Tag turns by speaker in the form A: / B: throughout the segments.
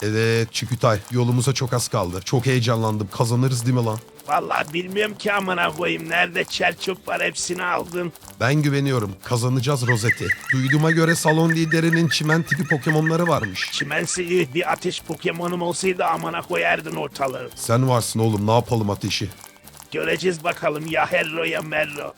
A: Evet Çikütay, yolumuza çok az kaldı. Çok heyecanlandım. Kazanırız değil mi lan?
B: Vallahi bilmiyorum ki amına koyayım. Nerede çer çöp var hepsini aldın.
A: Ben güveniyorum. Kazanacağız Rosetti. Duyduğuma göre salon liderinin çimen tipi Pokemon'ları varmış.
B: Çimensi bir ateş Pokemon'um olsaydı amına koyardın ortalığı.
A: Sen varsın oğlum, ne yapalım ateşi?
B: Göreceğiz bakalım ya Herro ya Merro.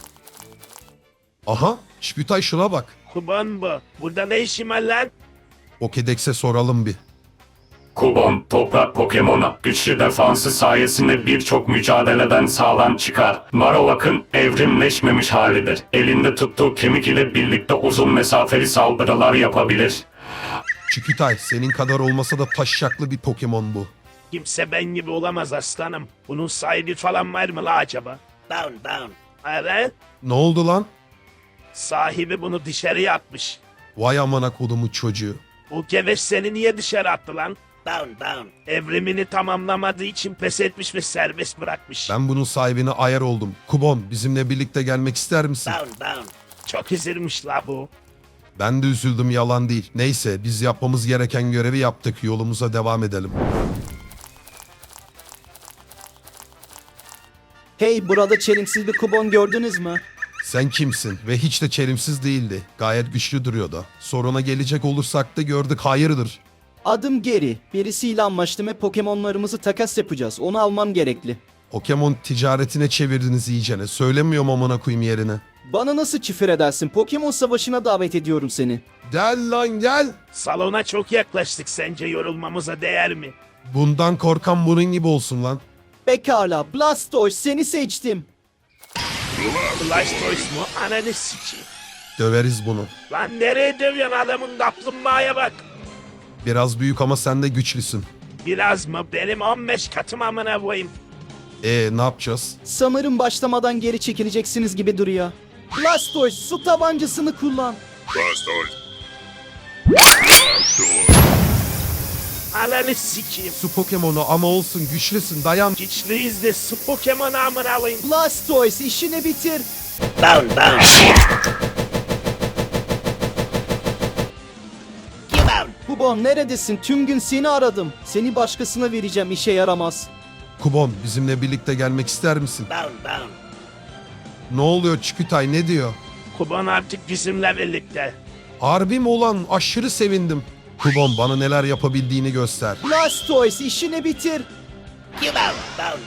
A: Aha, Çikütay şuna bak.
B: Kuban bu. Burada ne işim var lan?
A: Pokédex'e soralım bir.
C: Kubon, toprak Pokemon'a güçlü defansı sayesinde birçok mücadeleden sağlam çıkar. Marowak'ın evrimleşmemiş halidir. Elinde tuttuğu kemik ile birlikte uzun mesafeli saldırılar yapabilir.
A: Çikütay, senin kadar olmasa da taşşaklı bir Pokemon bu.
B: Kimse ben gibi olamaz aslanım. Bunun sahibi falan var mı la acaba? Down. Evet.
A: Ne oldu lan?
B: Sahibi bunu dışarıya atmış.
A: Vay amına kodumu çocuğu.
B: Bu geveş seni niye dışarı attı lan? Down. Evrimini tamamlamadığı için pes etmiş ve serbest bırakmış.
A: Ben bunun sahibine ayar oldum. Kubon, bizimle birlikte gelmek ister misin?
B: Down. Çok üzülmüş la bu.
A: Ben de üzüldüm, yalan değil. Neyse, biz yapmamız gereken görevi yaptık. Yolumuza devam edelim.
D: Hey, burada çelimsiz bir kubon gördünüz mü?
A: Sen kimsin? Ve hiç de çelimsiz değildi. Gayet güçlü duruyordu. Soruna gelecek olursak da gördük, hayırdır.
D: Adım Geri. Birisiyle anlaştım ve Pokemon'larımızı takas yapacağız. Onu almam gerekli.
A: Pokemon ticaretine çevirdiniz iyicene. Söylemiyorum amına koyayım yerine.
D: Bana nasıl küfür edersin? Pokemon savaşına davet ediyorum seni.
A: Gel lan gel.
B: Salona çok yaklaştık, sence yorulmamıza değer mi?
A: Bundan korkan bunun gibi olsun lan.
D: Pekala, Blastoise, seni seçtim.
B: Blastoise mu? Ananı sikeyim.
A: Döveriz bunu.
B: Lan nereye dövüyorsun, adamın kaplumbağaya bak.
A: Biraz büyük ama sen de güçlüsün.
B: Biraz mı? Benim 15 katım amına koyayım.
A: Ne yapacağız?
D: Sanırım başlamadan geri çekileceksiniz gibi duruyor. Blastoise, su tabancasını kullan.
B: Ananı sikeyim.
A: Su Pokemon'u ama olsun, güçlüsün, dayan.
B: Güçlüyüz de su Pokemon'u amına koyayım.
D: Blastoise, işini bitir.
B: Down.
D: Kubon neredesin? Tüm gün seni aradım. Seni başkasına vereceğim, işe yaramaz.
A: Kubon, bizimle birlikte gelmek ister misin?
B: Down.
A: Ne oluyor Çikütay, ne diyor?
B: Kuban artık bizimle birlikte.
A: Harbi mi ulan? Aşırı sevindim. Kubon, bana neler yapabildiğini göster.
D: Blastoise, işini bitir.
B: Down.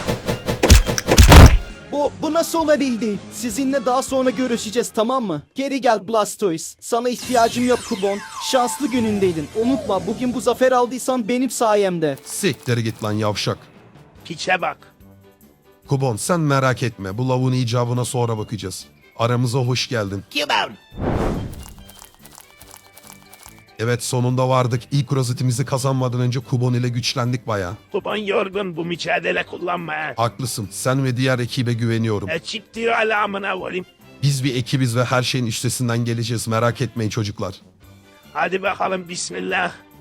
D: Bu nasıl olabildi? Sizinle daha sonra görüşeceğiz, tamam mı? Geri gel Blastoise. Sana ihtiyacım yok Kubon. Şanslı günündeydin. Unutma, bugün bu zafer aldıysan benim sayemde.
A: Siktir git lan yavşak.
B: Piçe bak.
A: Kubon, sen merak etme. Bu lavuğun icabına sonra bakacağız. Aramıza hoş geldin. Evet, sonunda vardık. İlk rozetimizi kazanmadan önce Kubon ile güçlendik bayağı.
B: Kuban yorgun, bu mücadele kullanma ha.
A: Haklısın. Sen ve diğer ekibe güveniyorum.
B: Ekip diyor hala amına koyayım.
A: Biz bir ekibiz ve her şeyin üstesinden geleceğiz. Merak etmeyin çocuklar.
B: Hadi bakalım bismillah.